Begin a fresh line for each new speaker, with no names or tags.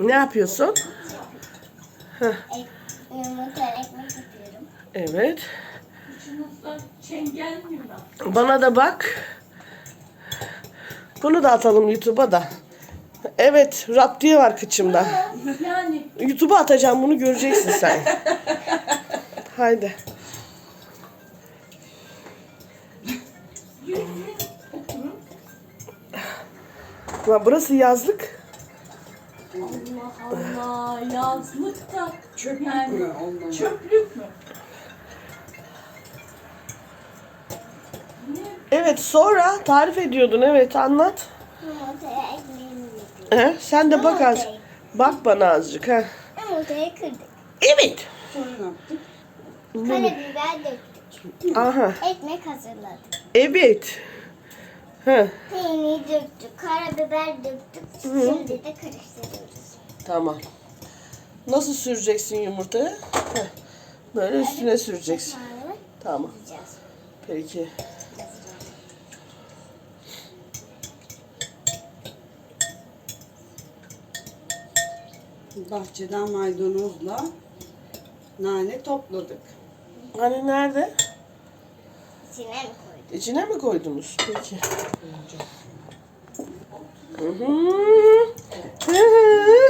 Ne yapıyorsun?
Yumurta ekmek yapıyorum.
Evet.
Kuşumuzda çengel mi var?
Bana da bak. Bunu da atalım YouTube'a da. Evet, rap diye var kıçımda.
Yani
YouTube'a atacağım, bunu göreceksin sen. Haydi. Ulan burası yazlık.
Allah Allah, yazlık da
Çöplük
yani
mü ondan?
çöplük mü?
Evet, sonra tarif ediyordun. Evet, anlat.
Yumurtaya ekmeğimi yapıyorum.
Sen de bak az. Bak bana azıcık. He.
Yumurtayı kırdık.
Evet.
Sonra ne yaptık?
Karabiber döktük.
Aha.
Ekmek hazırladık.
Evet. He.
Peynir döktük. Karabiber döktük. Şimdi de karıştırıyoruz.
Tamam. Nasıl süreceksin yumurtayı? Heh. Böyle üstüne süreceksin.
Sonra
Tamam.
yiyeceğiz.
Peki.
Bahçeden maydanozla nane topladık.
Hani nerede?
İçine mi koyduk?
İçine mi koydunuz? Peki. Hı hı. Hı hı.